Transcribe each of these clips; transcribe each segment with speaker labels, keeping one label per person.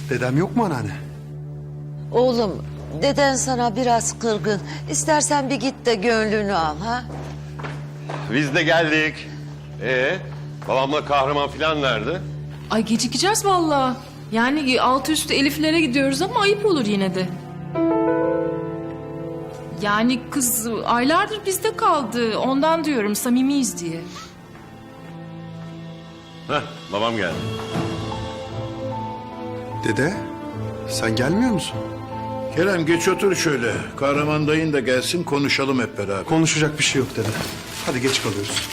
Speaker 1: Dedem yok mu anneanne?
Speaker 2: Oğlum, deden sana biraz kırgın. İstersen bir git de gönlünü al ha.
Speaker 3: Biz de geldik. Babamla kahraman falan nerede?
Speaker 4: Ay gecikeceğiz vallahi. Yani altı üstü Elif'lere gidiyoruz ama ayıp olur yine de. Yani kız aylardır bizde kaldı. Ondan diyorum samimiyiz diye.
Speaker 3: Heh, babam geldi.
Speaker 1: Dede, sen gelmiyor musun?
Speaker 5: Kerem geç otur şöyle. Kahraman dayın da gelsin konuşalım hep beraber.
Speaker 1: Konuşacak bir şey yok dede. Hadi geç kalıyoruz.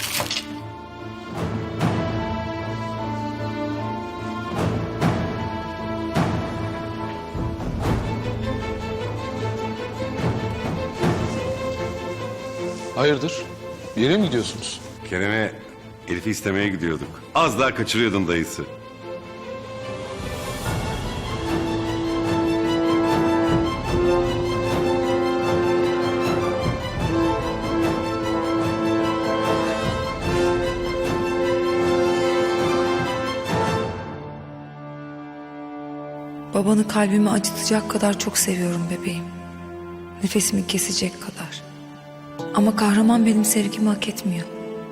Speaker 6: Hayırdır? Bir yere mi gidiyorsunuz?
Speaker 3: Kerem'e Elif'i istemeye gidiyorduk. Az daha kaçırıyordun dayısı.
Speaker 7: Babanı kalbimi acıtacak kadar çok seviyorum bebeğim. Nefesimi kesecek kadar. Ama kahraman benim sevgimi hak etmiyor.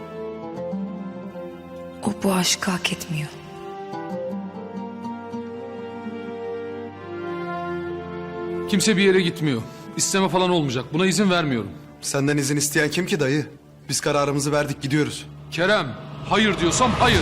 Speaker 7: O bu aşkı hak etmiyor.
Speaker 6: Kimse bir yere gitmiyor. İsteme falan olmayacak. Buna izin vermiyorum.
Speaker 1: Senden izin isteyen kim ki dayı? Biz kararımızı verdik, gidiyoruz.
Speaker 6: Kerem, hayır diyorsam hayır.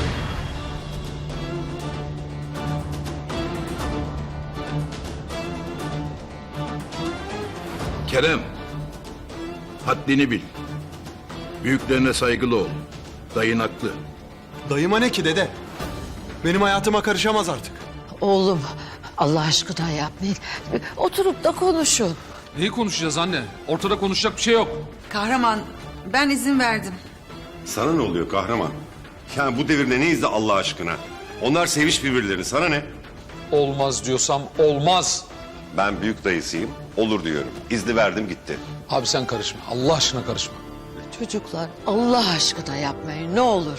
Speaker 5: Kerem, haddini bil. Büyüklerine saygılı ol. Dayın haklı.
Speaker 1: Dayıma ne ki dede? Benim hayatıma karışamaz artık.
Speaker 2: Oğlum, Allah aşkına yapmayın. Oturup da konuşun.
Speaker 6: Neyi konuşacağız anne? Ortada konuşacak bir şey yok.
Speaker 8: Kahraman, ben izin verdim.
Speaker 3: Sana ne oluyor kahraman? Yani bu devirde neyiz de Allah aşkına? Onlar sevmiş birbirlerini, sana ne?
Speaker 6: Olmaz diyorsam olmaz.
Speaker 3: Ben büyük dayısıyım, olur diyorum. İzni verdim gitti.
Speaker 6: Abi sen karışma. Allah aşkına karışma.
Speaker 2: Çocuklar, Allah aşkına yapmayın ne olur.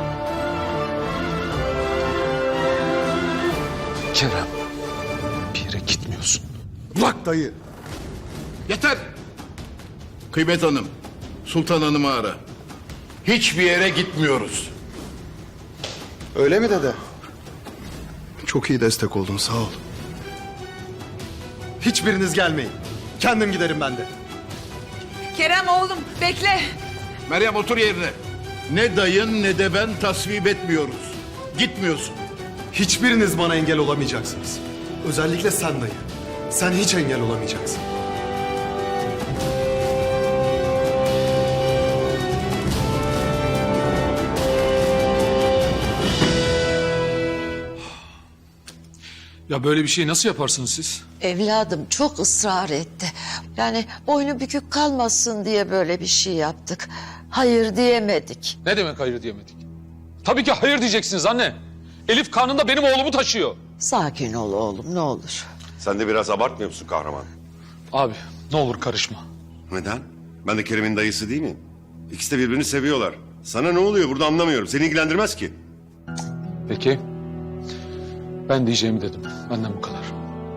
Speaker 6: Kerem, bir yere gitmiyorsun.
Speaker 1: Bak dayı.
Speaker 5: Yeter! Kıymet Hanım, Sultan Hanım'ı ara. Hiçbir yere gitmiyoruz.
Speaker 1: Öyle mi dede? Çok iyi destek oldun, sağ ol. Hiçbiriniz gelmeyin. Kendim giderim ben de.
Speaker 8: Kerem oğlum, bekle.
Speaker 5: Meryem otur yerine. Ne dayın ne de ben tasvip etmiyoruz. Gitmiyorsun.
Speaker 1: Hiçbiriniz bana engel olamayacaksınız. Özellikle sen dayı. Sen hiç engel olamayacaksın.
Speaker 6: Ya böyle bir şey nasıl yaparsınız siz?
Speaker 2: Evladım çok ısrar etti. Yani boynu bükük kalmasın diye böyle bir şey yaptık. Hayır diyemedik.
Speaker 6: Ne demek hayır diyemedik? Tabii ki hayır diyeceksiniz anne. Elif karnında benim oğlumu taşıyor.
Speaker 2: Sakin ol oğlum ne olur.
Speaker 3: Sen de biraz abartmıyor musun kahraman?
Speaker 6: Abi ne olur karışma.
Speaker 3: Neden? Ben de Kerem'in dayısı değil miyim? İkisi de birbirini seviyorlar. Sana ne oluyor burada anlamıyorum. Seni ilgilendirmez ki.
Speaker 6: Peki. Ben diyeceğimi dedim. Benden bu kadar.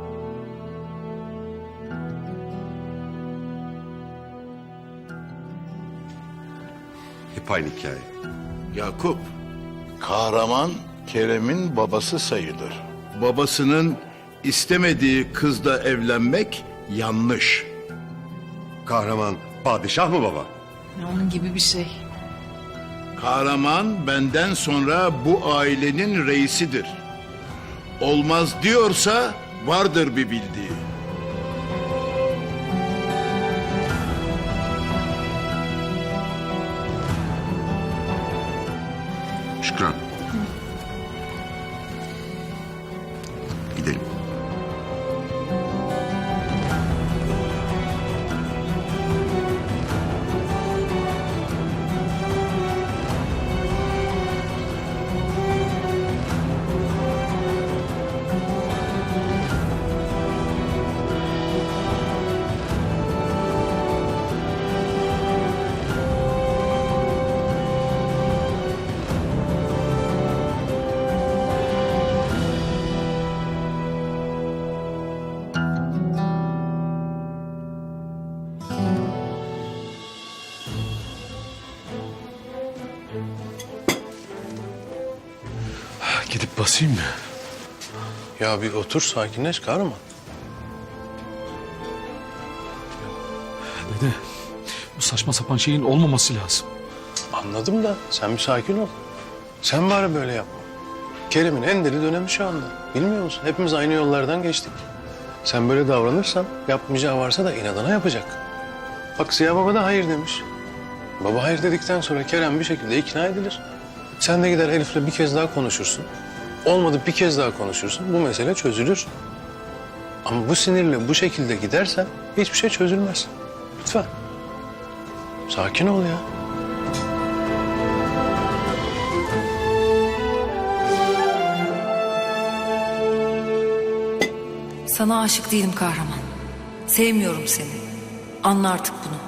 Speaker 3: Hep aynı hikaye.
Speaker 5: Yakup, kahraman Kerem'in babası sayılır. Babasının istemediği kızla evlenmek yanlış.
Speaker 3: Kahraman padişah mı baba?
Speaker 4: Onun gibi bir şey.
Speaker 5: Kahraman benden sonra bu ailenin reisidir. Olmaz diyorsa vardır bir bildiği.
Speaker 3: Şükran. Gidelim.
Speaker 6: Gidip basayım mı?
Speaker 9: Ya bir otur sakinleş Kahraman.
Speaker 6: Dede, bu saçma sapan şeyin olmaması lazım.
Speaker 9: Anladım da sen bir sakin ol. Sen bari böyle yapma. Kerem'in en deli dönemi şu anda. Bilmiyor musun? Hepimiz aynı yollardan geçtik. Sen böyle davranırsan yapmayacağı varsa da inadına yapacak. Bak Ziya Baba da hayır demiş. Baba hayır dedikten sonra Kerem bir şekilde ikna edilir. Sen de gider Elif'le bir kez daha konuşursun. Olmadı bir kez daha konuşursun. Bu mesele çözülür. Ama bu sinirle bu şekilde gidersen hiçbir şey çözülmez. Lütfen. Sakin ol ya.
Speaker 7: Sana aşık değilim Kahraman. Sevmiyorum seni. Anla artık bunu.